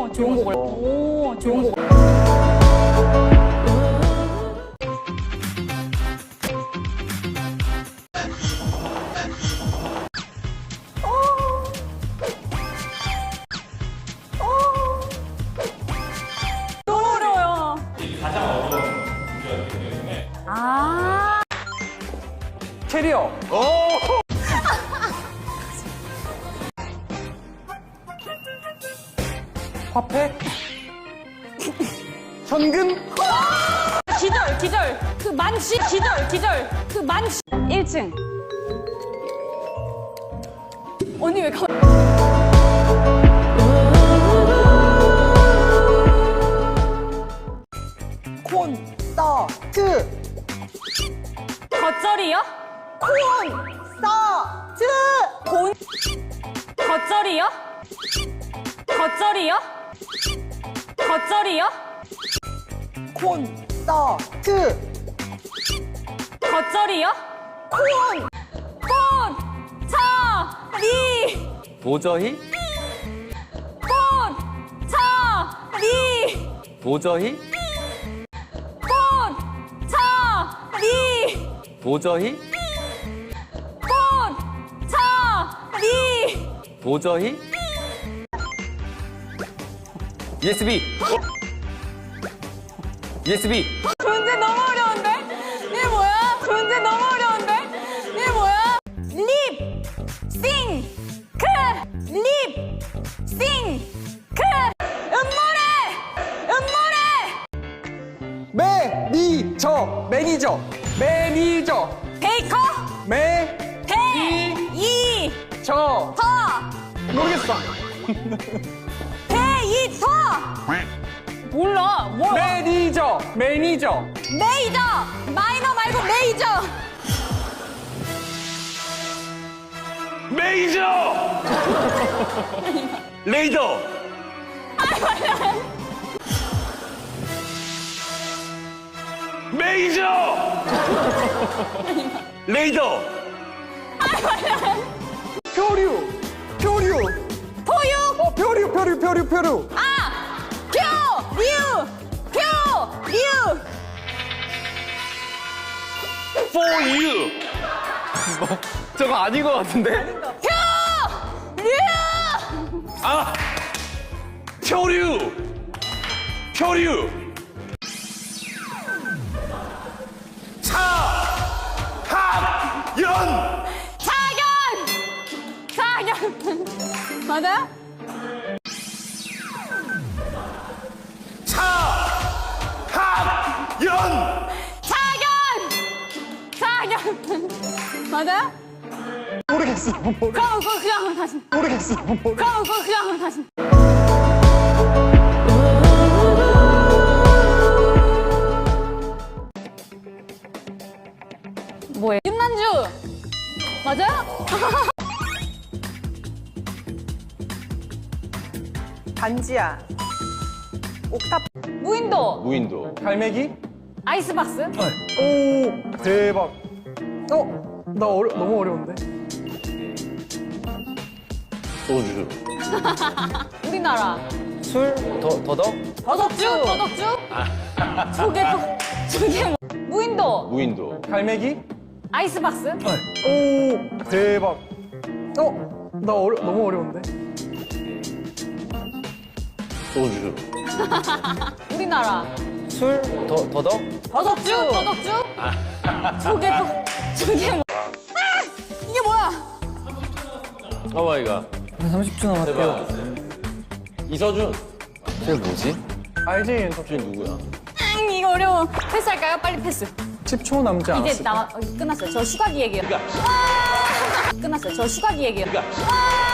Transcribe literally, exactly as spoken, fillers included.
오, 좋은 곡을. 오, 좋은 곡을. 너무 어려워요. 가장 어려운 문제였기 때문에. 아. 캐리어. 화폐. 현금. 기절, 기절. 그 만시, 기절, 기절. 그 만시. 일 층. 언니 왜 가? 콘서트. 겉절이요? 콘서트. 곤. 겉절이요? 겉절이요? 겉절이요? 콘서트. 겉절이요? 콘. 콘. 차. 리. 도저히? 콘. 차. 리. 도저히? 콘. 차. 리. 도저히? 콘. 차. 리. 도저히? 유에스비. 유에스비. 문제 너무 어려운데? 이게 뭐야? 문제 너무 어려운데? 이게 뭐야? 립, 싱, 크, 립, 싱, 크. 음모래, 음모래. 매니저. 매니저. 매니저. 베이커, 매. 배, 이, 저. 터, 모르겠어. 베이터. 몰라, 뭐야? 매니저. 매니저. 메이저, 마이너 말고 메이저. 메이저! 레이더! 메이저! 레이더! 표류. 표류. 포유, 어, 표류, 표류, 표류, 표류. 아, 표, 류, 표, 류. For you! 저거 아닌 것 같은데? 표! 류! 아! 표류! 표류! 차! 합! 연! 차견! 차견! 맞아요? 차! 합! 연! 차견! 차견! 맞아요? 모르겠어. 모르, 그럼 그거 그냥 다시. 모르겠어. 모르. 그럼 그거 그냥 다시. 뭐예요? 윤난주! 맞아요? 반지야. 옥탑. 무인도! 무인도. 갈매기. 아이스박스? 오, 대박. 어, 나 어려, 너무 어려운데. 소주. 우리나라. 술? 더, 더덕? 더덕주! 더덕주? 저게 뭐, 저게 뭐. 무인도! 무인도. 갈매기. 아이스박스? 오, 대박. 어, 나 어려, 너무 어려운데. 소주. 우리나라. 술? 더, 더덕? 더덕주! 더덕주? 저게 뭐, 저게 뭐. 아! 이게 뭐야? 오 마이 갓. 삼십 초 대박. 이서준. 쟤 뭐지? 알지? 쟤 누구야? 응, 이거 어려워. 패스할까요? 빨리 패스. 십 초 남지 않았어. 이제 나, 어, 끝났어요. 저 슈가기 얘기예요. 아! 끝났어요. 저 슈가기 얘기예요. 아!